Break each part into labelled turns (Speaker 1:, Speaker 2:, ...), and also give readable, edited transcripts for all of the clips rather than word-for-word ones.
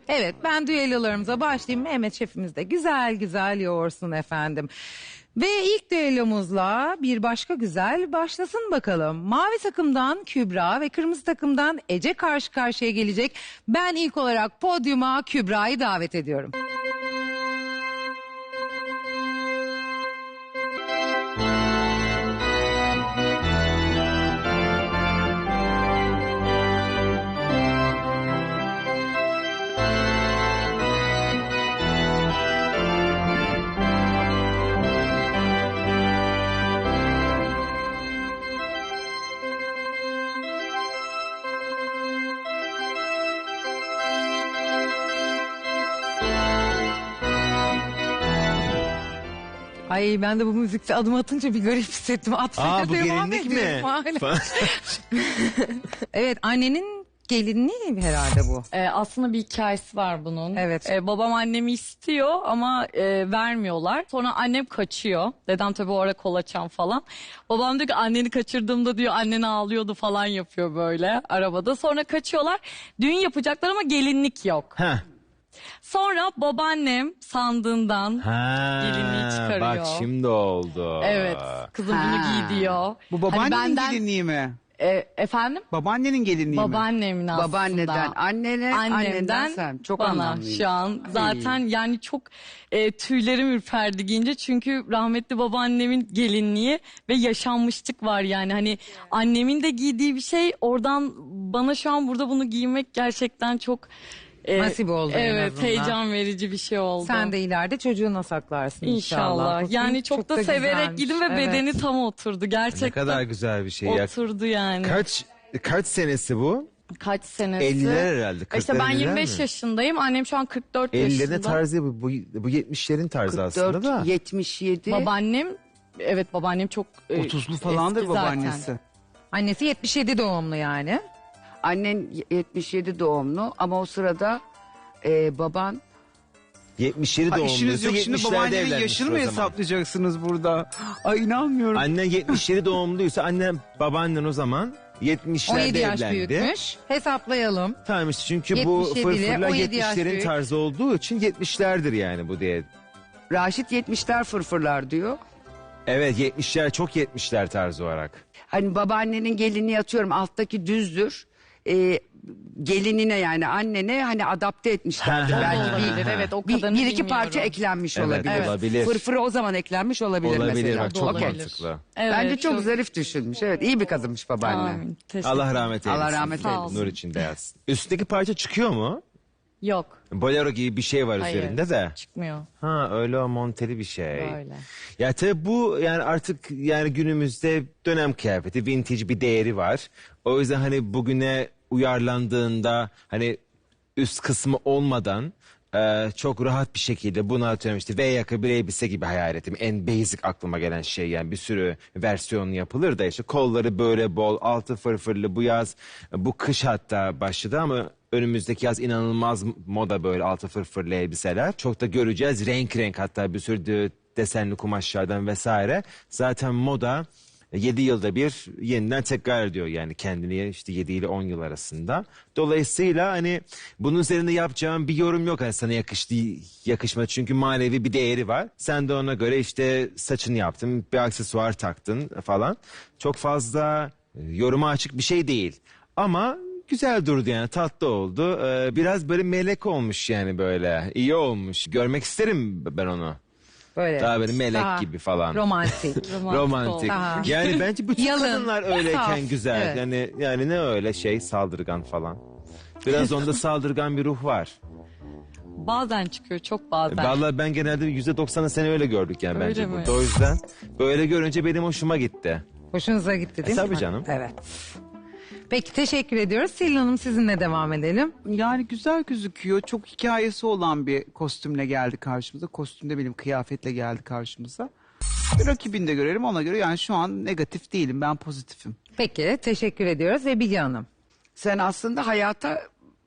Speaker 1: Evet, ben düellolarımıza başlayayım. Mehmet şefimiz de güzel güzel yoğursun efendim. Ve ilk düellomuzla bir başka güzel başlasın bakalım. Mavi takımdan Kübra ve kırmızı takımdan Ece karşı karşıya gelecek. Ben ilk olarak podyuma Kübra'yı davet ediyorum. Ay ben de bu müzikte adım atınca bir garip hissettim.
Speaker 2: Bu gelinlik mi?
Speaker 1: Evet, annenin gelinliği herhalde bu.
Speaker 3: Aslında bir hikayesi var bunun.
Speaker 1: Evet.
Speaker 3: Babam annemi istiyor ama vermiyorlar. Sonra annem kaçıyor. Dedem tabii orada kolaçan falan. Babam diyor ki anneni kaçırdığımda diyor annen ağlıyordu falan yapıyor böyle arabada. Sonra kaçıyorlar. Düğün yapacaklar ama gelinlik yok.
Speaker 2: Heh.
Speaker 3: Sonra babaannem sandığından gelinliği çıkarıyor.
Speaker 2: Bak şimdi oldu.
Speaker 3: Evet. Kızım bunu giy diyor.
Speaker 4: Bu babaannenin
Speaker 3: Hani benden-
Speaker 4: gelinliği mi?
Speaker 3: Efendim?
Speaker 4: Babaannenin gelinliği mi?
Speaker 3: Babaannemin aslında.
Speaker 5: Babaanneden, anneden sen. Çok
Speaker 3: bana
Speaker 5: anlamlıyım.
Speaker 3: şu an zaten yani çok tüylerim ürperdi giyince çünkü rahmetli babaannemin gelinliği ve yaşanmışlık var yani hani annemin de giydiği bir şey oradan bana şu an burada bunu giymek gerçekten çok
Speaker 1: Nasip oldu en
Speaker 3: evet
Speaker 1: azından.
Speaker 3: heyecan verici bir şey oldu.
Speaker 1: Sen de ileride çocuğuna saklarsın inşallah.
Speaker 3: İnşallah. Yani çok da severek
Speaker 1: güzelmiş.
Speaker 3: giydim ve
Speaker 1: Evet.
Speaker 3: bedeni tam oturdu. Gerçekten
Speaker 2: Ne kadar güzel bir şey ya.
Speaker 3: oturdu yani.
Speaker 2: Kaç senesi bu?
Speaker 3: Kaç senesi?
Speaker 2: 50'ler herhalde.
Speaker 3: İşte ben
Speaker 2: 40'lar
Speaker 3: 25
Speaker 2: mi?
Speaker 3: yaşındayım. Annem şu an 44
Speaker 2: 50'lerin
Speaker 3: yaşında.
Speaker 2: tarzı bu 70'lerin tarzı aslında
Speaker 5: 44,
Speaker 2: da.
Speaker 5: 77.
Speaker 3: Babaannem, evet babaannem çok
Speaker 4: 30'lu falandır
Speaker 3: eski zaten.
Speaker 4: babaannesi.
Speaker 1: Annesi 77 doğumlu yani.
Speaker 5: Annen 77 doğumlu ama o sırada baban
Speaker 2: 77
Speaker 4: Ha, işiniz
Speaker 2: doğumluysa
Speaker 4: yok şimdi
Speaker 2: 70'lerde
Speaker 4: babaannenin
Speaker 2: evlenmiş
Speaker 4: yaşını mı
Speaker 2: o zaman.
Speaker 4: hesaplayacaksınız burada? Ay inanmıyorum.
Speaker 2: Annen 77 doğumluysa babaannen o zaman 70'lerde
Speaker 1: 17 yaş
Speaker 2: evlendi.
Speaker 1: büyütmüş. Hesaplayalım.
Speaker 2: Tamam işte çünkü bu
Speaker 1: 77 ile
Speaker 2: fırfırlar
Speaker 1: 17 yaş
Speaker 2: 70'lerin
Speaker 1: büyük.
Speaker 2: tarzı olduğu için 70'lerdir yani bu diye.
Speaker 5: Raşit 70'ler fırfırlar diyor.
Speaker 2: Evet 70'ler çok 70'ler tarzı olarak.
Speaker 5: Hani babaannenin gelinliği atıyorum alttaki düzdür. Gelinine yani annene hani adapte etmişlerdir.
Speaker 2: Ha,
Speaker 5: Belki
Speaker 3: olabilir, evet, o
Speaker 5: bir
Speaker 3: kadarını
Speaker 5: iki
Speaker 3: bilmiyorum.
Speaker 5: parça eklenmiş
Speaker 2: Evet,
Speaker 5: olabilir.
Speaker 2: evet. Olabilir.
Speaker 5: Fırfırı o zaman eklenmiş olabilir,
Speaker 2: Olabilir
Speaker 5: mesela.
Speaker 2: bak çok
Speaker 3: Olabilir.
Speaker 2: mantıklı.
Speaker 3: Evet,
Speaker 5: Bence çok zarif düşünmüş. Evet iyi bir kadınmış babaanne.
Speaker 3: Amin. Teşekkür
Speaker 2: Allah rahmet eylesin.
Speaker 5: Allah rahmet
Speaker 3: Sağ
Speaker 5: eylesin.
Speaker 2: Nur içinde yatsın. Üstteki parça çıkıyor mu?
Speaker 3: Yok.
Speaker 2: Bolero gibi bir şey var
Speaker 3: Hayır.
Speaker 2: üzerinde de.
Speaker 3: Çıkmıyor.
Speaker 2: Ha öyle o monteli bir şey.
Speaker 3: Böyle.
Speaker 2: Ya tabii bu yani artık yani günümüzde dönem kıyafeti vintage bir değeri var. O yüzden hani bugüne uyarlandığında hani üst kısmı olmadan çok rahat bir şekilde bunu atıyorum işte V yaka bir elbise gibi hayal ettim. En basic aklıma gelen şey yani bir sürü versiyonu yapılır da işte kolları böyle bol altı fırfırlı bu yaz bu kış hatta başladı ama önümüzdeki yaz inanılmaz moda böyle altı fırfırlı elbiseler. Çok da göreceğiz renk renk hatta bir sürü desenli kumaşlardan vesaire. Zaten moda 7 yılda bir yeniden tekrar ediyor yani kendini işte 7 ile 10 yıl arasında. Dolayısıyla hani bunun üzerinde yapacağım bir yorum yok. Hani sana yakıştı yakışmadı çünkü manevi bir değeri var. Sen de ona göre işte saçını yaptın bir aksesuar taktın falan. Çok fazla yoruma açık bir şey değil. Ama güzel durdu yani tatlı oldu. Biraz böyle melek olmuş yani böyle iyi olmuş. Görmek isterim ben onu.
Speaker 1: Böyle.
Speaker 2: Daha böyle melek
Speaker 1: Daha
Speaker 2: gibi falan.
Speaker 1: Romantik.
Speaker 2: Romantik.
Speaker 1: Daha.
Speaker 2: Yani bence bütün
Speaker 1: Yalın,
Speaker 2: kadınlar öyleyken
Speaker 1: saf,
Speaker 2: güzel.
Speaker 1: evet.
Speaker 2: Yani ne öyle şey saldırgan falan. Biraz onda saldırgan bir ruh var.
Speaker 3: Bazen çıkıyor, çok bazen.
Speaker 2: Vallahi ben genelde %90'ı seni öyle gördük yani
Speaker 3: Öyle
Speaker 2: bence
Speaker 3: mi?
Speaker 2: burada. O yüzden böyle görünce benim hoşuma gitti.
Speaker 1: Hoşunuza gitti değil mi?
Speaker 2: Tabii canım.
Speaker 1: Evet. Peki teşekkür ediyoruz. Selin Hanım sizinle devam edelim.
Speaker 4: Yani güzel gözüküyor. Çok hikayesi olan bir kostümle geldi karşımıza. Kostümde benim kıyafetle geldi karşımıza. Bir rakibini de görelim ona göre. Yani şu an negatif değilim. Ben pozitifim.
Speaker 1: Peki teşekkür ediyoruz ve Bilge Hanım.
Speaker 5: Sen aslında hayata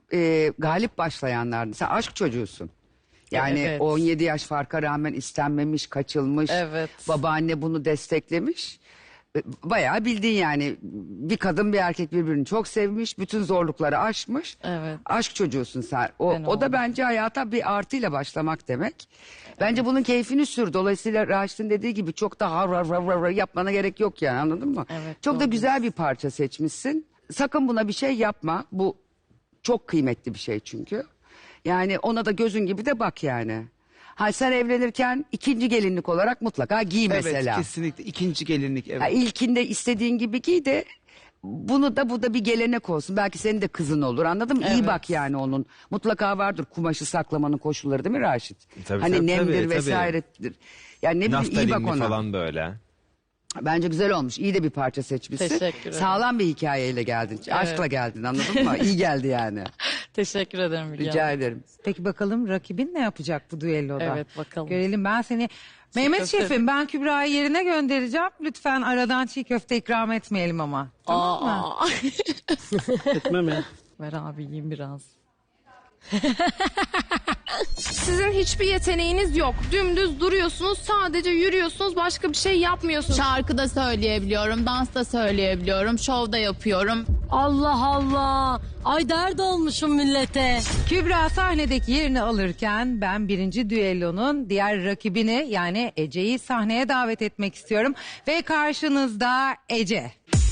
Speaker 5: galip başlayanlardın. Sen aşk çocuğusun. Yani
Speaker 3: Evet.
Speaker 5: 17 yaş farka rağmen istenmemiş, kaçılmış.
Speaker 3: Evet.
Speaker 5: Babaanne bunu desteklemiş. bayağı bildiğin yani bir kadın bir erkek birbirini çok sevmiş. Bütün zorlukları aşmış.
Speaker 3: Evet.
Speaker 5: Aşk çocuğusun sen.
Speaker 3: Ben
Speaker 5: O da
Speaker 3: oldum.
Speaker 5: bence hayata bir artıyla başlamak demek. Bence bunun keyfini sür. Dolayısıyla Raşit'in dediği gibi çok da har yapmana gerek yok yani, anladın mı?
Speaker 3: Evet,
Speaker 5: çok da
Speaker 3: doğru
Speaker 5: güzel bir parça seçmişsin. Sakın buna bir şey yapma. Bu çok kıymetli bir şey çünkü. Yani ona da gözün gibi de bak yani. Ha, sen evlenirken ikinci gelinlik olarak mutlaka giy mesela.
Speaker 4: Evet, kesinlikle. İkinci gelinlik, evet.
Speaker 5: Ha, ilkinde istediğin gibi giy de bu da bir gelenek olsun. Belki senin de kızın olur, anladın mı? İyi
Speaker 3: Evet.
Speaker 5: bak yani onun. Mutlaka vardır kumaşı saklamanın koşulları, değil mi Raşit?
Speaker 2: Tabii,
Speaker 5: hani
Speaker 2: tabii,
Speaker 5: nemdir
Speaker 2: tabii.
Speaker 5: vesairedir. Yani ne bileyim, iyi bak
Speaker 2: Naftalinli
Speaker 5: ona.
Speaker 2: falan böyle.
Speaker 5: Bence güzel olmuş. İyi de bir parça seçmişsin.
Speaker 3: Teşekkür ederim.
Speaker 5: Sağlam bir hikayeyle geldin. Aşkla geldin, anladın mı? İyi geldi yani.
Speaker 3: Teşekkür ederim Müge
Speaker 5: Rica
Speaker 3: Hanım.
Speaker 5: ederim.
Speaker 1: Peki bakalım rakibin ne yapacak bu düelloda?
Speaker 3: Evet, bakalım.
Speaker 1: Görelim. Ben seni Mehmet
Speaker 3: köfte.
Speaker 1: Şef'im, ben Kübra'yı yerine göndereceğim. Lütfen aradan çiğ köfte ikram etmeyelim ama. Tamam mı?
Speaker 3: Aa.
Speaker 6: Etmem ya.
Speaker 3: Ver abi yiyeyim biraz.
Speaker 7: Sizin hiçbir yeteneğiniz yok. Dümdüz duruyorsunuz, sadece yürüyorsunuz, başka bir şey yapmıyorsunuz.
Speaker 8: Şarkı da söyleyebiliyorum, dans da söyleyebiliyorum, şov da yapıyorum.
Speaker 9: Allah Allah. Ay dert olmuşum millete.
Speaker 1: Kübra sahnedeki yerini alırken ben birinci düellonun diğer rakibini yani Ece'yi sahneye davet etmek istiyorum. Ve karşınızda Ece.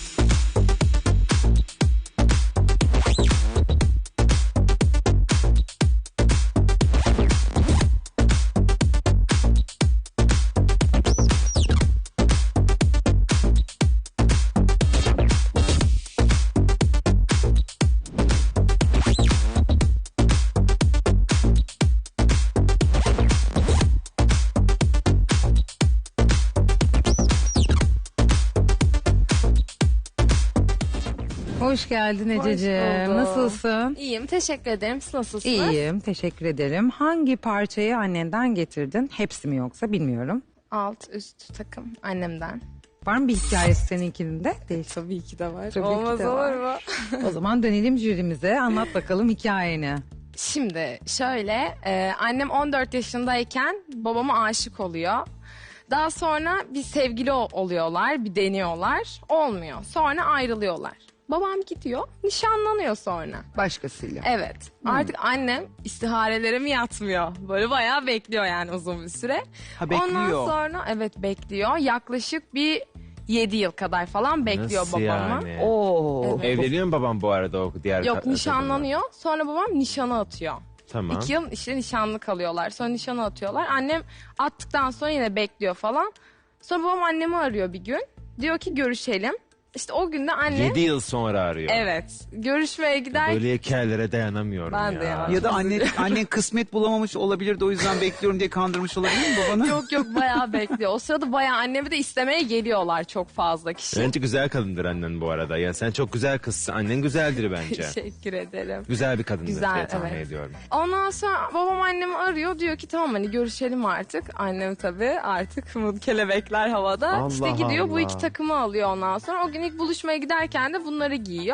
Speaker 1: Hoş geldin Ececiğim.
Speaker 7: buldum.
Speaker 1: Nasılsın?
Speaker 7: İyiyim, teşekkür ederim. Siz nasılsınız?
Speaker 1: İyiyim, teşekkür ederim. Hangi parçayı annenden getirdin? Hepsi mi yoksa bilmiyorum.
Speaker 7: Alt üst takım annemden.
Speaker 1: Var mı bir hikayesi seninkinin de? Değil.
Speaker 7: Tabii ki de var.
Speaker 1: Tabii
Speaker 7: Olmaz
Speaker 1: ki de var.
Speaker 7: olur mu?
Speaker 1: O zaman dönelim jürimize. Anlat bakalım hikayeni.
Speaker 7: Şimdi şöyle, annem 14 yaşındayken babama aşık oluyor. Daha sonra bir sevgili oluyorlar, bir deniyorlar. Olmuyor. Sonra ayrılıyorlar. Babam gidiyor, nişanlanıyor sonra.
Speaker 5: Başkasıyla.
Speaker 7: Evet. Artık annem istiharelere mi yatmıyor? Böyle bayağı bekliyor yani uzun bir süre.
Speaker 4: Ha, bekliyor.
Speaker 7: Ondan sonra evet bekliyor. Yaklaşık bir 7 yıl kadar falan bekliyor
Speaker 2: Nasıl
Speaker 7: babamı.
Speaker 2: yani?
Speaker 5: Oo.
Speaker 7: Evet.
Speaker 2: Evleniyor mu babam bu arada o diğer
Speaker 7: Yok
Speaker 2: kadınla?
Speaker 7: nişanlanıyor. Sonra babam nişana atıyor.
Speaker 2: Tamam.
Speaker 7: 2 yıl işte nişanlı kalıyorlar. Sonra nişana atıyorlar. Annem attıktan sonra yine bekliyor falan. Sonra babam annemi arıyor bir gün. Diyor ki görüşelim. İşte o gün de annem...
Speaker 2: 7 yıl sonra arıyor.
Speaker 7: Evet. Görüşmeye gider.
Speaker 2: Böyle hikayelere dayanamıyorum
Speaker 7: Ben
Speaker 2: ya.
Speaker 7: de ya.
Speaker 4: Ya da annen kısmet bulamamış olabilir de o yüzden bekliyorum diye kandırmış olabilir mi babanı?
Speaker 7: Yok yok bayağı bekliyor. O sırada bayağı annemi de istemeye geliyorlar çok fazla kişi.
Speaker 2: Bence güzel kadındır annen bu arada. Ya sen çok güzel kızsın. Annen güzeldir bence.
Speaker 7: Teşekkür ederim.
Speaker 2: Güzel bir kadındır
Speaker 7: Güzel,
Speaker 2: diye tahmin
Speaker 7: evet.
Speaker 2: ediyorum.
Speaker 7: Ondan sonra babam annemi arıyor. Diyor ki tamam hani görüşelim artık. Annem tabii artık kelebekler havada.
Speaker 2: Allah
Speaker 7: işte gidiyor bu
Speaker 2: Allah.
Speaker 7: iki takımı alıyor ondan sonra. O gün ilk buluşmaya giderken de bunları giyiyor.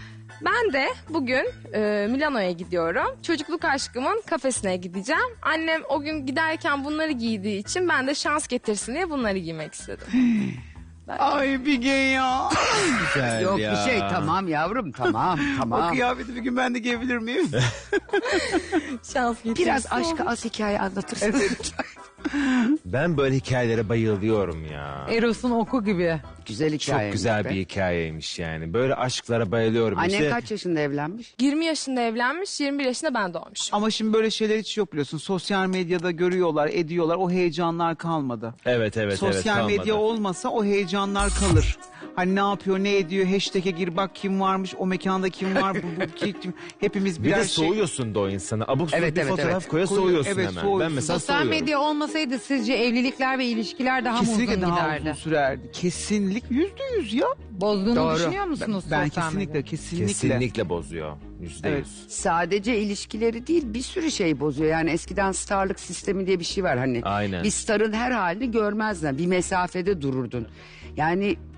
Speaker 7: Ben de bugün Milano'ya gidiyorum. Çocukluk aşkımın kafesine gideceğim. Annem o gün giderken bunları giydiği için ben de şans getirsin diye bunları giymek istedim.
Speaker 4: Ay Bilge ya.
Speaker 2: Güzel
Speaker 5: Yok
Speaker 2: ya.
Speaker 5: bir şey, tamam yavrum, tamam
Speaker 4: O
Speaker 5: tamam.
Speaker 4: kıyafeti bir gün ben de giyebilir miyim?
Speaker 7: Şans getirsin.
Speaker 5: Biraz aşkı az hikaye anlatırsın.
Speaker 2: Ben böyle hikayelere bayılıyorum ya.
Speaker 1: Eros'un oku gibi.
Speaker 5: Güzel hikaye.
Speaker 2: Çok güzel bir hikayeymiş yani. Böyle aşklara bayılıyorum.
Speaker 5: Annen
Speaker 2: İşte
Speaker 5: kaç yaşında evlenmiş?
Speaker 7: 20 yaşında evlenmiş, 21 yaşında ben doğmuşum.
Speaker 4: Ama şimdi böyle şeyler hiç yok biliyorsun. Sosyal medyada görüyorlar, ediyorlar. O heyecanlar kalmadı.
Speaker 2: evet
Speaker 4: Sosyal
Speaker 2: kalmadı.
Speaker 4: medya olmasa o heyecanlar kalır. Hani ne yapıyor, ne ediyor, hashtag'e gir bak kim varmış, o mekanda kim var, bu kim. Hepimiz
Speaker 2: Bir
Speaker 4: birer
Speaker 2: de soğuyorsun da o insana. Abuk sabuk
Speaker 5: Evet,
Speaker 2: bir
Speaker 5: evet,
Speaker 2: fotoğraf
Speaker 5: evet.
Speaker 2: koya
Speaker 4: Koyuyor,
Speaker 2: soğuyorsun
Speaker 4: evet,
Speaker 2: hemen.
Speaker 4: soğuyorsun.
Speaker 2: Ben mesela
Speaker 1: Sosyal
Speaker 2: soğuyorum.
Speaker 1: medya olmasaydı sizce evlilikler ve ilişkiler daha mı
Speaker 4: Kesinlikle
Speaker 1: uzun
Speaker 4: daha
Speaker 1: giderdi?
Speaker 4: uzun sürerdi. Kesinlikle %100 ya.
Speaker 1: Bozduğunu
Speaker 5: Doğru.
Speaker 1: düşünüyor musunuz
Speaker 4: Ben
Speaker 1: sosyal
Speaker 4: kesinlikle,
Speaker 1: medyada?
Speaker 4: kesinlikle.
Speaker 2: Kesinlikle bozuyor. %100.
Speaker 4: Evet.
Speaker 5: Sadece ilişkileri değil, bir sürü şey bozuyor. Yani eskiden starlık sistemi diye bir şey var. Hani
Speaker 2: Aynen.
Speaker 5: bir starın her halini görmezdin. Bir mesafede dururdun. Yani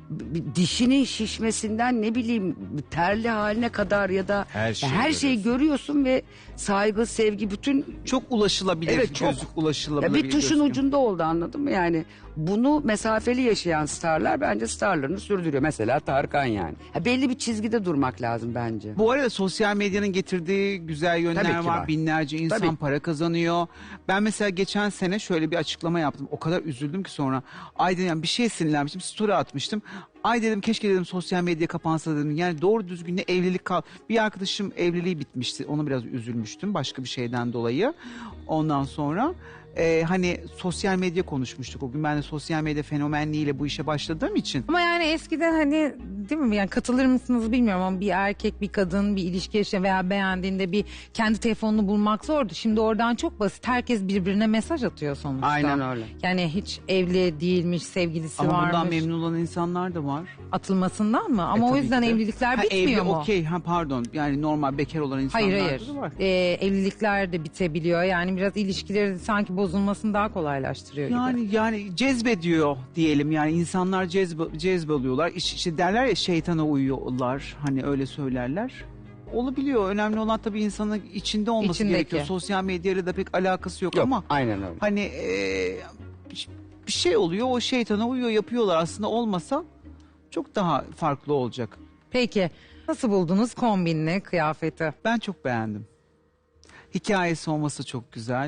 Speaker 5: dişinin şişmesinden ne bileyim terli haline kadar ya da
Speaker 2: Her şeyi
Speaker 5: görüyorsun ve saygı, sevgi bütün
Speaker 4: Çok ulaşılabilir.
Speaker 5: Evet, çok.
Speaker 4: Gözlük ulaşılabilir.
Speaker 5: ya bir tuşun
Speaker 4: gözlük.
Speaker 5: ucunda oldu, anladın mı? Yani bunu mesafeli yaşayan starlar bence starlarını sürdürüyor. Mesela Tarkan yani. Belli bir çizgide durmak lazım bence.
Speaker 4: Bu arada sosyal medyanın getirdiği güzel yönler
Speaker 5: Tabii ki
Speaker 4: var.
Speaker 5: var.
Speaker 4: Binlerce insan
Speaker 5: Tabii.
Speaker 4: para kazanıyor. Ben mesela geçen sene şöyle bir açıklama yaptım. O kadar üzüldüm ki sonra. Ay dedim, yani bir şey sinirlenmiştim. Story atmıştım. Ay dedim, keşke dedim sosyal medya kapansa dedim. Yani doğru düzgün ne evlilik kal. Bir arkadaşım evliliği bitmişti. Ona biraz üzülmüştüm başka bir şeyden dolayı. Ondan sonra hani sosyal medya konuşmuştuk o gün. Ben de sosyal medya fenomenliğiyle bu işe başladığım için.
Speaker 1: Ama yani eskiden hani değil mi, yani katılır mısınız bilmiyorum ama bir erkek bir kadın bir ilişki yaşıyor veya beğendiğinde bir kendi telefonunu bulmak zordu. Şimdi oradan çok basit, herkes birbirine mesaj atıyor sonuçta.
Speaker 5: Aynen öyle.
Speaker 1: Yani hiç evli değilmiş, sevgilisi
Speaker 4: Ama
Speaker 1: varmış.
Speaker 4: bundan memnun olan insanlar da var.
Speaker 1: Atılmasından mı? Ama o
Speaker 4: tabii
Speaker 1: yüzden
Speaker 4: ki de.
Speaker 1: evlilikler
Speaker 4: Ha,
Speaker 1: bitmiyor
Speaker 4: evli,
Speaker 1: mu?
Speaker 4: okey, pardon. Yani normal bekar olan insanlar
Speaker 1: Hayır.
Speaker 4: da var.
Speaker 1: Evlilikler de bitebiliyor. Yani biraz ilişkileri sanki bozulmasını daha kolaylaştırıyor gibi.
Speaker 4: Yani cezbediyor diyelim, yani insanlar cezboluyorlar. İşte derler ya, şeytana uyuyorlar, hani öyle söylerler. Olabiliyor. Önemli olan tabii insanın içinde olması
Speaker 1: İçindeki.
Speaker 4: gerekiyor. Sosyal medyayla da pek alakası yok
Speaker 5: Yok,
Speaker 4: ama
Speaker 5: aynen öyle.
Speaker 4: hani bir şey oluyor, o şeytana uyuyor, yapıyorlar. Aslında olmasa çok daha farklı olacak.
Speaker 1: Peki nasıl buldunuz kombinli kıyafeti?
Speaker 4: Ben çok beğendim. Hikayesi olması çok güzel.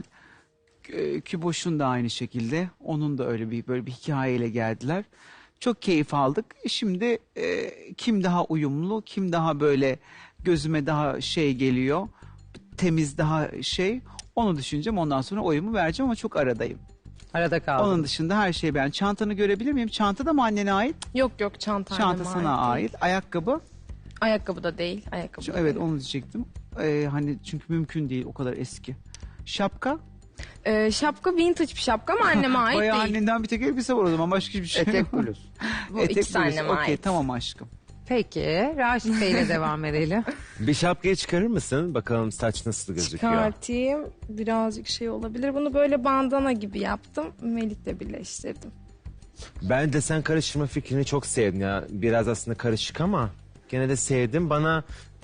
Speaker 4: Küboş'un da aynı şekilde. Onun da öyle böyle bir hikayeyle geldiler. Çok keyif aldık. Şimdi kim daha uyumlu, kim daha böyle gözüme daha şey geliyor, temiz, daha şey, onu düşüneceğim. Ondan sonra oyumu vereceğim ama çok aradayım.
Speaker 1: Arada kaldım.
Speaker 4: Onun dışında her şey ben. Çantanı görebilir miyim? Çanta da mı annene ait?
Speaker 7: Yok çanta
Speaker 4: Çanta
Speaker 7: anneme
Speaker 4: sana ait.
Speaker 7: değil.
Speaker 4: Ayakkabı?
Speaker 7: Ayakkabı da değil. Ayakkabı da
Speaker 4: Evet,
Speaker 7: değil.
Speaker 4: onu diyecektim. Hani çünkü mümkün değil, o kadar eski. Şapka?
Speaker 7: Şapka vintage bir şapka ama anneme ait
Speaker 4: Bayağı
Speaker 7: değil.
Speaker 4: annenden bir tek elbise var o zaman, başka hiçbir şey
Speaker 5: Etek
Speaker 4: yok.
Speaker 5: bluz.
Speaker 7: Bu ikisi anneme
Speaker 4: Okey,
Speaker 7: ait.
Speaker 4: tamam aşkım.
Speaker 1: Peki Raşit Bey'le devam edelim.
Speaker 2: Bir şapkayı çıkarır mısın? Bakalım saç nasıl gözüküyor.
Speaker 7: Çıkartayım. Birazcık şey olabilir. Bunu böyle bandana gibi yaptım. Melih'le birleştirdim.
Speaker 2: Ben desen karıştırma fikrini çok sevdim ya. Biraz aslında karışık ama gene de sevdim. Bana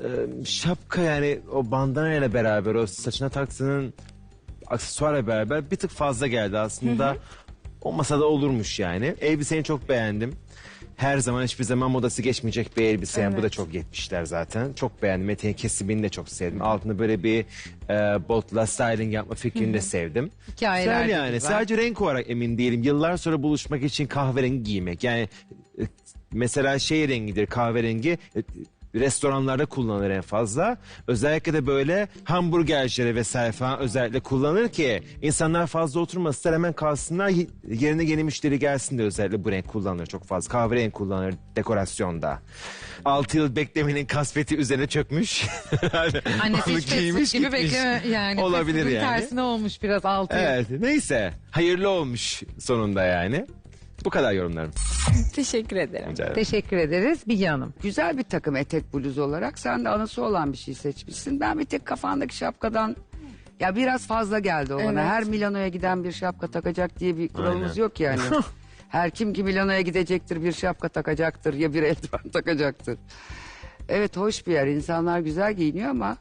Speaker 2: şapka, yani o bandana ile beraber o saçına taktığının aksesuarla beraber bir tık fazla geldi aslında. Olmasa da olurmuş yani. Elbiseni çok beğendim. Her zaman hiçbir zaman modası geçmeyecek bir elbise. Yani bu da çok 70'ler zaten. Çok beğendim. Eteğin kesimini de çok sevdim. Altında böyle bir botla styling yapma fikrini de sevdim.
Speaker 1: Hikayeler
Speaker 2: Güzel
Speaker 1: de
Speaker 2: yani.
Speaker 1: güzel.
Speaker 2: Sadece renk olarak emin değilim. Yıllar sonra buluşmak için kahverengi giymek. Yani mesela şey rengidir, kahverengi. Restoranlarda kullanılır en fazla. Özellikle de böyle hamburgercilere vesaire falan özellikle kullanılır ki insanlar fazla oturmasınlar, hemen kalsınlar, yerine yeni müşteri gelsin de özellikle bu renk kullanılır çok fazla. Kahverengi kullanılır dekorasyonda. 6 yıl beklemenin kasveti üzerine çökmüş.
Speaker 1: Annesi
Speaker 2: Onu
Speaker 1: hiç fast
Speaker 2: giymiş,
Speaker 1: food gibi
Speaker 2: gitmiş.
Speaker 1: bekleme yani.
Speaker 2: Olabilir
Speaker 1: Fast food'un
Speaker 2: yani.
Speaker 1: tersine olmuş biraz 6 yıl.
Speaker 2: Evet, neyse hayırlı olmuş sonunda yani. Bu kadar yorumlarım.
Speaker 7: Teşekkür ederim.
Speaker 2: Rica ederim.
Speaker 1: Teşekkür ederiz Bilge Hanım.
Speaker 5: Güzel bir takım etek bluz olarak. Sen de anısı olan bir şey seçmişsin. Ben bir tek kafandaki şapkadan ya biraz fazla geldi o bana.
Speaker 7: Evet.
Speaker 5: Her Milano'ya giden bir şapka takacak diye bir kuralımız
Speaker 2: Aynen.
Speaker 5: yok yani. Her kim ki Milano'ya gidecektir bir şapka takacaktır ya bir eldiven takacaktır. Evet, hoş bir yer. İnsanlar güzel giyiniyor ama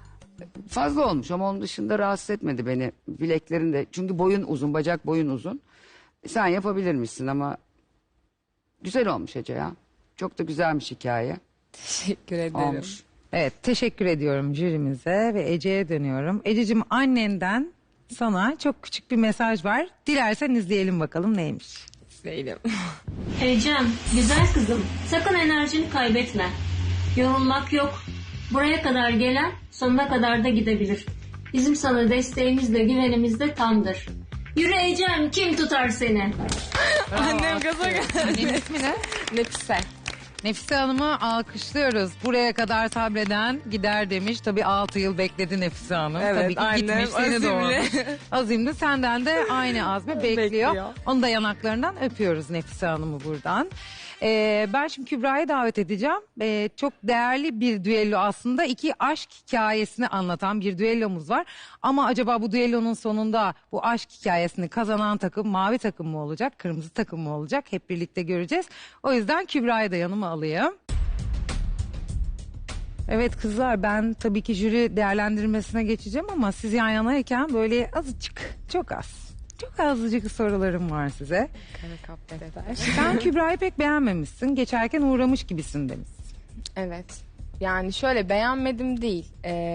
Speaker 5: fazla olmuş ama onun dışında rahatsız etmedi beni. Bileklerin de, çünkü boyun uzun, bacak boyun uzun. Sen yapabilir misin ama güzel olmuş Ece ya. Çok da güzelmiş hikaye.
Speaker 7: Teşekkür ederim.
Speaker 5: Olmuş.
Speaker 1: Evet, teşekkür ediyorum jürimize ve Ece'ye dönüyorum. Ececiğim, annenden sana çok küçük bir mesaj var. Dilersen izleyelim bakalım neymiş.
Speaker 7: Değilim.
Speaker 10: Ecem, güzel kızım, sakın enerjini kaybetme. Yorulmak yok. Buraya kadar gelen sonuna kadar da gidebilir. Bizim sana desteğimiz de güvenimiz de tamdır. Yürü Ecem, kim tutar seni?
Speaker 7: Annem gaza geldi.
Speaker 1: Annenin ismi ne?
Speaker 7: Nefise.
Speaker 1: Nefise Hanım'ı alkışlıyoruz. Buraya kadar sabreden gider demiş. Tabii 6 yıl bekledi Nefise Hanım.
Speaker 7: Evet,
Speaker 1: Tabii ki
Speaker 7: annem
Speaker 1: gitmiş seni
Speaker 7: azimli.
Speaker 1: doğurmuş. Azimli, senden de aynı azmi bekliyor.
Speaker 7: Bekliyor.
Speaker 1: Onu da yanaklarından öpüyoruz Nefise Hanım'ı buradan. Ben şimdi Kübra'yı davet edeceğim. Çok değerli bir düello aslında. 2 aşk hikayesini anlatan bir düellomuz var. Ama acaba bu düellonun sonunda bu aşk hikayesini kazanan takım mavi takım mı olacak, kırmızı takım mı olacak? Hep birlikte göreceğiz. O yüzden Kübra'yı da yanıma alayım. Evet kızlar, ben tabii ki jüri değerlendirmesine geçeceğim ama siz yan yanayken böyle azıcık, çok azıcık sorularım var size. Sen Kübra'yı pek beğenmemişsin. Geçerken uğramış gibisin demişsin.
Speaker 7: Evet. Yani şöyle beğenmedim değil.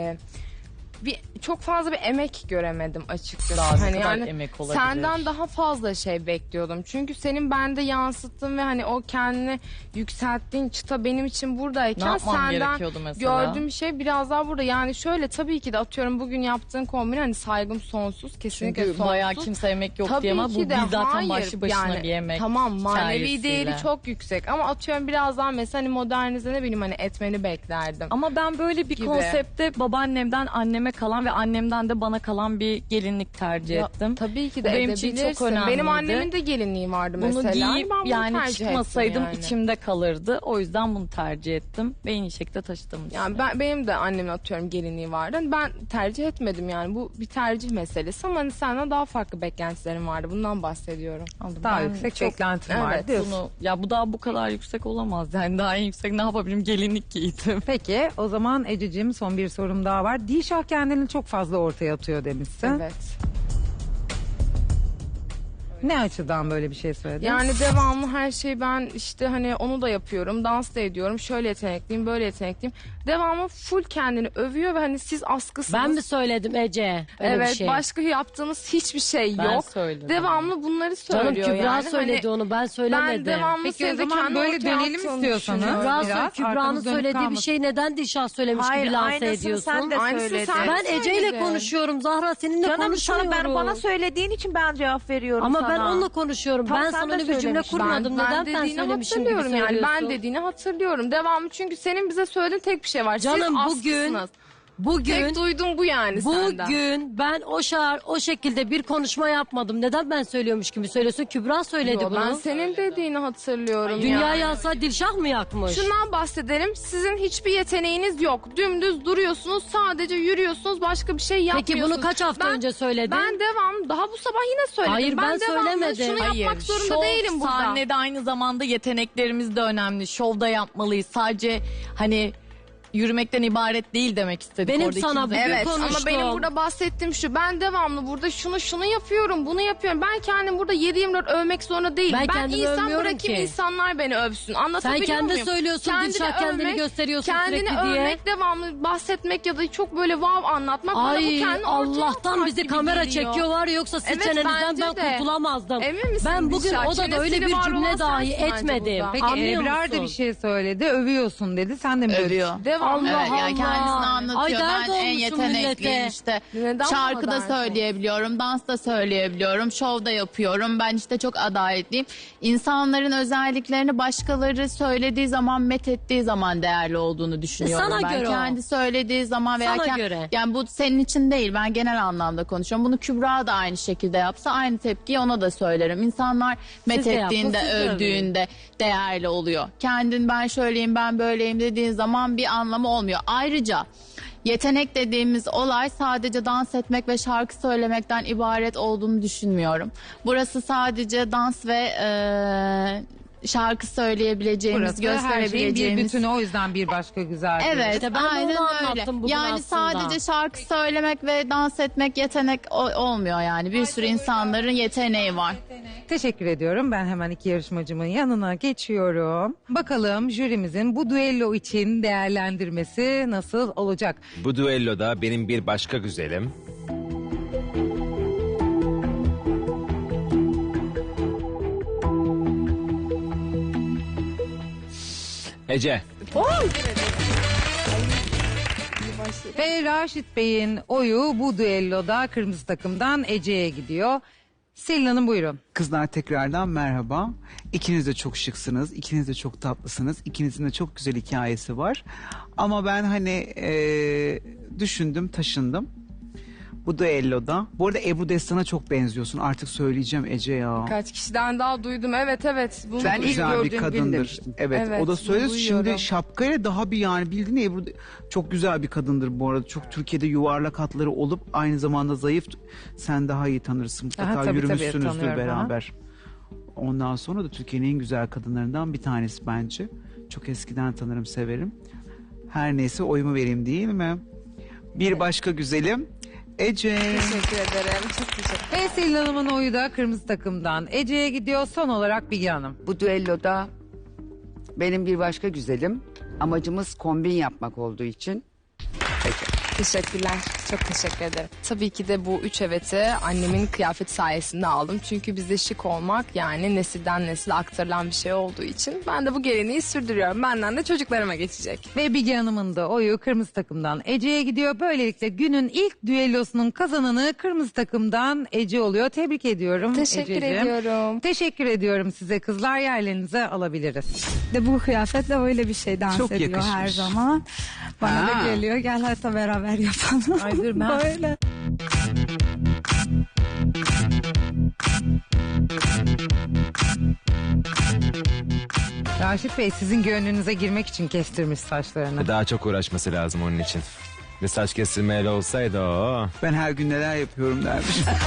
Speaker 7: Çok fazla bir emek göremedim açıkçası.
Speaker 3: Daha ne
Speaker 7: Hani
Speaker 3: kadar
Speaker 7: yani
Speaker 3: emek olabilir?
Speaker 7: senden daha fazla şey bekliyordum. Çünkü senin bende yansıttığın ve hani o kendini yükselttiğin çıta benim için
Speaker 3: Ne
Speaker 7: buradayken
Speaker 3: yapmam
Speaker 7: senden
Speaker 3: gerekiyordu mesela?
Speaker 7: gördüğüm şey biraz daha burada. Yani şöyle tabii ki de atıyorum bugün yaptığın kombin hani saygım sonsuz. Kesinlikle
Speaker 3: Çünkü
Speaker 7: sonsuz.
Speaker 3: bayağı kimse emek yok
Speaker 7: Tabii
Speaker 3: diye ama
Speaker 7: ki
Speaker 3: bu
Speaker 7: de,
Speaker 3: zaten
Speaker 7: hayır.
Speaker 3: başlı başına
Speaker 7: Yani
Speaker 3: bir emek.
Speaker 7: Tamam, manevi
Speaker 3: hikayesiyle.
Speaker 7: değeri çok yüksek ama atıyorum biraz daha mesela hani modernize ne bileyim hani etmeni beklerdim.
Speaker 3: Ama ben böyle bir
Speaker 7: Gibi.
Speaker 3: konsepte babaannemden anneme kalan ve annemden de bana kalan bir gelinlik tercih
Speaker 7: Ya,
Speaker 3: ettim.
Speaker 7: tabii ki
Speaker 3: Bu
Speaker 7: de
Speaker 3: benim için
Speaker 7: edebilirsin.
Speaker 3: çok önemliydi.
Speaker 7: Benim annemin de gelinliği vardı
Speaker 3: Bunu
Speaker 7: mesela.
Speaker 3: giyip
Speaker 7: Ben bunu
Speaker 3: yani
Speaker 7: tercih
Speaker 3: çıkmasaydım
Speaker 7: ettim yani.
Speaker 3: içimde kalırdı. O yüzden bunu tercih ettim ve en iyi şekilde taşıdığımı
Speaker 7: Yani benim de annemin atıyorum gelinliği vardı. Hani ben tercih etmedim yani. Bu bir tercih meselesi ama hani senden daha farklı beklentilerim vardı. Bundan bahsediyorum.
Speaker 1: Daha yüksek beklentin var
Speaker 7: Evet,
Speaker 1: diyorsun.
Speaker 3: Bu daha bu kadar yüksek olamaz. Yani daha en yüksek ne yapabilirim? Gelinlik giydim.
Speaker 1: Peki o zaman Ececiğim son bir sorum daha var. Dilşah kendini çok fazla ortaya atıyor demişsin.
Speaker 7: Evet.
Speaker 1: Ne açıdan böyle bir şey söyledin?
Speaker 7: Yani devamlı her şeyi ben işte hani onu da yapıyorum. Dans da ediyorum. Şöyle yetenekliyim, böyle yetenekliyim. Devamlı full kendini övüyor ve hani siz askısınız.
Speaker 9: Ben mi söyledim Ece? Öyle
Speaker 7: Evet,
Speaker 9: bir şey.
Speaker 7: başka yaptığınız hiçbir şey
Speaker 3: Ben
Speaker 7: yok.
Speaker 3: söyledim.
Speaker 7: Devamlı bunları
Speaker 9: Canım
Speaker 7: söylüyor
Speaker 9: Kübra
Speaker 7: yani.
Speaker 9: söyledi
Speaker 7: Hani
Speaker 9: onu, ben söylemedim.
Speaker 7: ben devamlı
Speaker 1: Peki o
Speaker 7: senin de
Speaker 1: zaman
Speaker 7: kendini
Speaker 1: böyle
Speaker 7: ortaya
Speaker 1: dönelim
Speaker 7: attığını
Speaker 1: istiyorsanız.
Speaker 7: düşünüyorum.
Speaker 9: Kübra,
Speaker 1: Biraz
Speaker 9: Kübra'nın
Speaker 1: arkamız dönük
Speaker 9: söylediği bir
Speaker 1: kalmasın.
Speaker 9: şey neden Dilşah söylemiş
Speaker 11: Hayır,
Speaker 9: gibi lanse
Speaker 11: aynısını
Speaker 9: ediyorsun?
Speaker 11: sen de
Speaker 7: Aynısını
Speaker 11: söyledin.
Speaker 7: sen-
Speaker 9: Ben Ece ile
Speaker 7: söyledin.
Speaker 9: konuşuyorum Zahra, seninle
Speaker 11: Canım
Speaker 9: konuşmuyorum.
Speaker 11: sana bana söylediğin için ben cevap veriyorum
Speaker 9: Ama
Speaker 11: sana.
Speaker 9: ben onunla konuşuyorum.
Speaker 11: Tam
Speaker 9: ben
Speaker 11: sen
Speaker 9: sana
Speaker 11: de
Speaker 9: öyle bir cümle
Speaker 11: söylemiştin.
Speaker 9: kurmadım. Neden ben
Speaker 7: dediğini
Speaker 9: söylemişim gibi
Speaker 7: hatırlıyorum yani.
Speaker 9: söylüyorsun?
Speaker 7: Ben dediğini hatırlıyorum. Devamlı çünkü senin bize söylediğin tek bir şey var.
Speaker 9: Canım,
Speaker 7: Siz askısınız.
Speaker 9: Bugün
Speaker 7: Tek duydum bu yani senden.
Speaker 9: Bugün ben o şekilde bir konuşma yapmadım. Neden ben söylüyormuş gibi söylüyorsun? Kübra söyledi
Speaker 7: Yo,
Speaker 9: bunu.
Speaker 7: ben senin dediğini hatırlıyorum
Speaker 9: Dünya
Speaker 7: yani.
Speaker 9: yansa Dilşah mı yakmış?
Speaker 7: Şundan bahsedelim. Sizin hiçbir yeteneğiniz yok. Dümdüz duruyorsunuz. Sadece yürüyorsunuz. Başka bir şey yapmıyorsunuz.
Speaker 9: Peki bunu kaç hafta önce söyledin?
Speaker 7: Ben devam. Daha bu sabah yine söyledim.
Speaker 9: Hayır, ben
Speaker 7: devamlı
Speaker 9: söylemedim.
Speaker 7: şunu yapmak zorunda
Speaker 3: şov,
Speaker 7: değilim burada.
Speaker 3: sahnede aynı zamanda yeteneklerimiz de önemli. Şovda yapmalıyız. Sadece hani yürümekten ibaret değil demek istedik.
Speaker 9: Benim
Speaker 3: orada
Speaker 9: sana
Speaker 3: ikimiz de.
Speaker 9: bugün
Speaker 7: Evet ama
Speaker 9: konuştum.
Speaker 7: benim burada bahsettiğim şu. Ben devamlı burada şunu yapıyorum, bunu yapıyorum. Ben kendim burada 7/24 övmek zorunda değilim.
Speaker 9: Ben
Speaker 7: Ben
Speaker 9: kendimi
Speaker 7: insan
Speaker 9: övmüyorum
Speaker 7: bırakayım,
Speaker 9: ki.
Speaker 7: insanlar beni övsün.
Speaker 9: Sen
Speaker 7: Anlatabiliyor
Speaker 9: kendi
Speaker 7: muyum?
Speaker 9: söylüyorsun Dilşah, kendini gösteriyorsun
Speaker 7: kendini
Speaker 9: sürekli diye.
Speaker 7: övmek, devamlı bahsetmek ya da çok böyle vav anlatmak. bana bu
Speaker 9: Ay
Speaker 7: kendini ortaya
Speaker 9: Allah'tan
Speaker 7: atmak
Speaker 9: bizi
Speaker 7: gibi
Speaker 9: kamera
Speaker 7: geliyor.
Speaker 9: çekiyorlar, yoksa sizin
Speaker 7: Evet,
Speaker 9: çenenizden
Speaker 7: bence
Speaker 9: ben
Speaker 7: de.
Speaker 9: kurtulamazdım.
Speaker 7: Emin misin
Speaker 9: Ben bugün
Speaker 7: Dilşah?
Speaker 9: odada öyle
Speaker 7: Çenesini
Speaker 9: bir
Speaker 7: var
Speaker 9: cümle
Speaker 7: olan
Speaker 9: dahi
Speaker 7: sensin bence
Speaker 9: etmedim.
Speaker 7: burada.
Speaker 1: Peki
Speaker 9: Anlıyor
Speaker 1: Ebrar
Speaker 9: musun?
Speaker 1: da bir şey söyledi. Övüyorsun dedi. Sen de mi
Speaker 12: Övüyor.
Speaker 7: Devamlı.
Speaker 9: Allah
Speaker 12: Evet, yani kendisini
Speaker 9: Allah.
Speaker 12: anlatıyor.
Speaker 9: Ay, dert
Speaker 12: Ben en
Speaker 9: olmuşum
Speaker 12: yetenekliyim
Speaker 9: millete.
Speaker 12: işte.
Speaker 7: Neden bu
Speaker 12: Şarkı da
Speaker 7: kadar
Speaker 12: söyleyebiliyorum, dans da söyleyebiliyorum, şov da yapıyorum. Ben işte çok adaletliyim. İnsanların özelliklerini başkaları söylediği zaman, methettiği zaman değerli olduğunu düşünüyorum
Speaker 9: Sana
Speaker 12: ben.
Speaker 9: göre o.
Speaker 12: Kendi söylediği zaman veya
Speaker 9: Sana göre.
Speaker 12: yani bu senin için değil, ben genel anlamda konuşuyorum. Bunu Kübra da aynı şekilde yapsa aynı tepkiyi ona da söylerim. İnsanlar
Speaker 9: Siz de yapın,
Speaker 12: methettiğinde,
Speaker 9: siz de övün.
Speaker 12: övdüğünde değerli oluyor. Kendin ben şöyleyim, ben böyleyim dediğin zaman bir anlamı olmuyor. Ayrıca yetenek dediğimiz olay sadece dans etmek ve şarkı söylemekten ibaret olduğunu düşünmüyorum. Burası sadece dans ve şarkı söyleyebileceğimiz,
Speaker 1: Burası her şeyin bir
Speaker 12: gösterebileceğimiz.
Speaker 1: bütünü, o yüzden bir başka güzel.
Speaker 12: Evet,
Speaker 9: İşte ben de
Speaker 12: aynen
Speaker 9: onu
Speaker 12: öyle.
Speaker 9: anlattım bugün
Speaker 12: Yani
Speaker 9: aslında.
Speaker 12: sadece şarkı söylemek ve dans etmek yetenek olmuyor yani. Bir sürü insanların yeteneği var.
Speaker 1: Teşekkür ediyorum. Ben hemen iki yarışmacımın yanına geçiyorum. Bakalım jürimizin bu düello için değerlendirmesi nasıl olacak?
Speaker 2: Bu düelloda benim bir başka güzelim. Ece.
Speaker 1: Ve Raşit Bey'in oyu bu düelloda kırmızı takımdan Ece'ye gidiyor. Selin Hanım buyurun.
Speaker 4: Kızlar tekrardan merhaba. İkiniz de çok şıksınız. İkiniz de çok tatlısınız. İkinizin de çok güzel hikayesi var. Ama ben hani düşündüm, taşındım. Bu düelloda. Bu arada Ebru Destan'a çok benziyorsun. Artık söyleyeceğim Ece ya.
Speaker 7: Kaç kişiden daha duydum. Evet. Bunu
Speaker 5: Ben ilk
Speaker 4: Güzel bir
Speaker 5: gördüğüm gün
Speaker 4: kadındır.
Speaker 5: demiştim.
Speaker 4: Evet,
Speaker 7: Evet,
Speaker 4: o da söyledi.
Speaker 7: duyuyorum.
Speaker 4: Şimdi şapkayla daha bir yani bildiğin Ebru çok güzel bir kadındır bu arada. Çok Türkiye'de yuvarlak hatları olup aynı zamanda zayıf. Sen daha iyi tanırsın. Mutlaka
Speaker 1: Aha, tabii,
Speaker 4: yürümüşsünüzdür
Speaker 1: tanıyorum,
Speaker 4: beraber. Ondan sonra da Türkiye'nin en güzel kadınlarından bir tanesi bence. Çok eskiden tanırım, severim. Her neyse oyumu vereyim değil mi? Bir başka güzelim Ece.
Speaker 7: Teşekkür ederim. Çok teşekkür ederim.
Speaker 1: Ve Selin Hanım'ın oyu da kırmızı takımdan Ece'ye gidiyor. Son olarak Bilge Hanım.
Speaker 5: Bu düelloda benim bir başka güzelim. Amacımız kombin yapmak olduğu için.
Speaker 7: Teşekkürler. Çok teşekkür ederim. Tabii ki de bu 3 eveti annemin kıyafet sayesinde aldım. Çünkü bizde şık olmak yani nesilden nesile aktarılan bir şey olduğu için ben de bu geleneği sürdürüyorum. Benden de çocuklarıma geçecek.
Speaker 1: Ve Bilge Hanım'ın da oyu kırmızı takımdan Ece'ye gidiyor. Böylelikle günün ilk düellosunun kazananı kırmızı takımdan Ece oluyor. Tebrik ediyorum
Speaker 7: Teşekkür
Speaker 1: Ececiğim.
Speaker 7: ediyorum.
Speaker 1: Teşekkür ediyorum size kızlar. Yerlerinize alabiliriz.
Speaker 13: De bu kıyafetle öyle bir şey dans
Speaker 4: Çok
Speaker 13: ediyor
Speaker 4: yakışmış.
Speaker 13: her zaman. Bana da
Speaker 4: Ha.
Speaker 13: geliyor gel hatta beraber yapalım.
Speaker 1: Ay dur ben-
Speaker 13: Böyle.
Speaker 1: Raşit Bey sizin gönlünüze girmek için kestirmiş saçlarını.
Speaker 2: Daha çok uğraşması lazım onun için. Bir saç kesilmeyle olsaydı o.
Speaker 4: Ben her gün neler yapıyorum dermiş.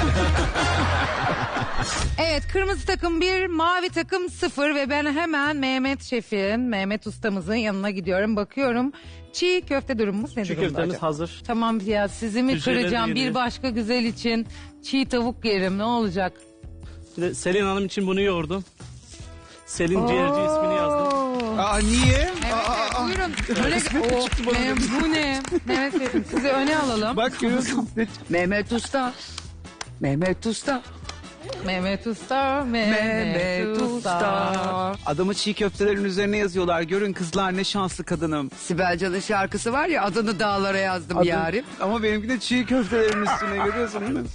Speaker 1: Evet, kırmızı takım 1, mavi takım 0 ve ben hemen Mehmet Şef'in, Mehmet ustamızın yanına gidiyorum. Bakıyorum çiğ köfte durumumuz ne
Speaker 6: Çiğ
Speaker 1: durumda
Speaker 6: köftemiz
Speaker 1: acaba?
Speaker 6: hazır.
Speaker 1: Tamam ya sizi mi
Speaker 6: Hücreleri
Speaker 1: kıracağım bir
Speaker 6: yedi.
Speaker 1: başka güzel için çiğ tavuk yerim ne olacak?
Speaker 6: Bir de Selin Hanım için bunu yoğurdum. Selin Ciğerci ismini yazdım.
Speaker 4: Aa niye?
Speaker 1: Evet, buyurun. Böyle, bu ne? Mehmet Şef'im sizi öne alalım.
Speaker 4: Bak görüyorsun.
Speaker 5: Mehmet Usta. Mehmet Usta.
Speaker 1: Mehmet Usta, Mehmet Usta.
Speaker 4: Adamı çiğ köftelerin üzerine yazıyorlar. Görün kızlar ne şanslı kadınım.
Speaker 5: Sibel Can'ın şarkısı var ya adını dağlara yazdım
Speaker 4: Adım-
Speaker 5: yarim.
Speaker 4: Ama benimki de çiğ köftelerin üstüne görüyorsun değil mi?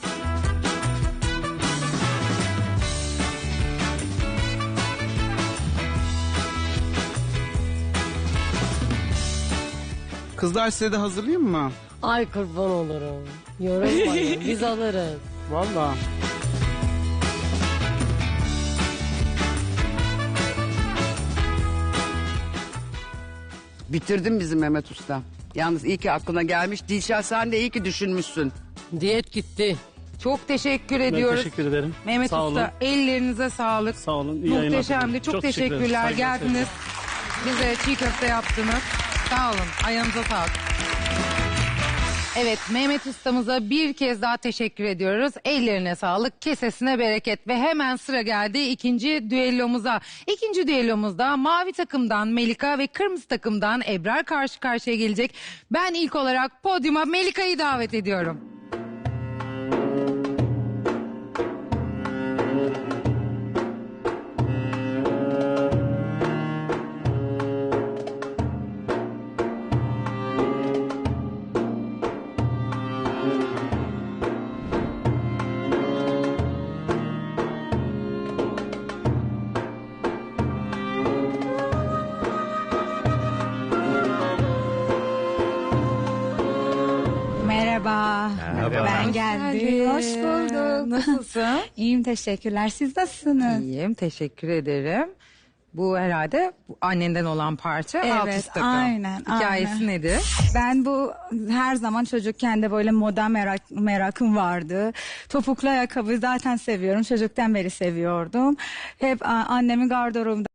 Speaker 4: Kızlar size de hazırlayayım mı?
Speaker 9: Ay kurban olurum. Yorulmayın biz alırız.
Speaker 4: Vallahi.
Speaker 5: Bitirdim bizim Mehmet Usta. Yalnız iyi ki aklına gelmiş. Dilşah sen de iyi ki düşünmüşsün.
Speaker 9: Diyet gitti.
Speaker 1: Çok teşekkür
Speaker 6: Ben
Speaker 1: ediyoruz.
Speaker 6: teşekkür ederim.
Speaker 1: Mehmet
Speaker 6: Sağ
Speaker 1: Usta
Speaker 6: olun.
Speaker 1: ellerinize sağlık.
Speaker 6: Sağ olun. İyi yayınlar
Speaker 1: Muhteşemdi.
Speaker 6: diliyorum.
Speaker 1: Çok
Speaker 6: teşekkür ederim.
Speaker 1: teşekkürler.
Speaker 6: Saygılar,
Speaker 1: Geldiniz. Bize çiğ köfte yaptınız. Sağ olun. Ayağınıza sağlık. Evet Mehmet ustamıza bir kez daha teşekkür ediyoruz. Ellerine sağlık, kesesine bereket ve hemen sıra geldi ikinci düellomuza. İkinci düellomuzda mavi takımdan Melika ve kırmızı takımdan Ebrar karşı karşıya gelecek. Ben ilk olarak podyuma Melika'yı davet ediyorum.
Speaker 13: Merhaba. Ben geldim. Hoş bulduk.
Speaker 1: Nasılsın?
Speaker 13: İyiyim teşekkürler. Siz nasılsınız?
Speaker 1: İyiyim, teşekkür ederim. Bu herhalde bu annenden olan parça alt üst takım.
Speaker 13: aynen.
Speaker 1: Hikayesi
Speaker 13: aynen.
Speaker 1: nedir?
Speaker 13: Ben bu her zaman çocukken de böyle moda merakım vardı. Topuklu ayakkabı zaten seviyorum. Çocuktan beri seviyordum. Hep annemin gardırobunda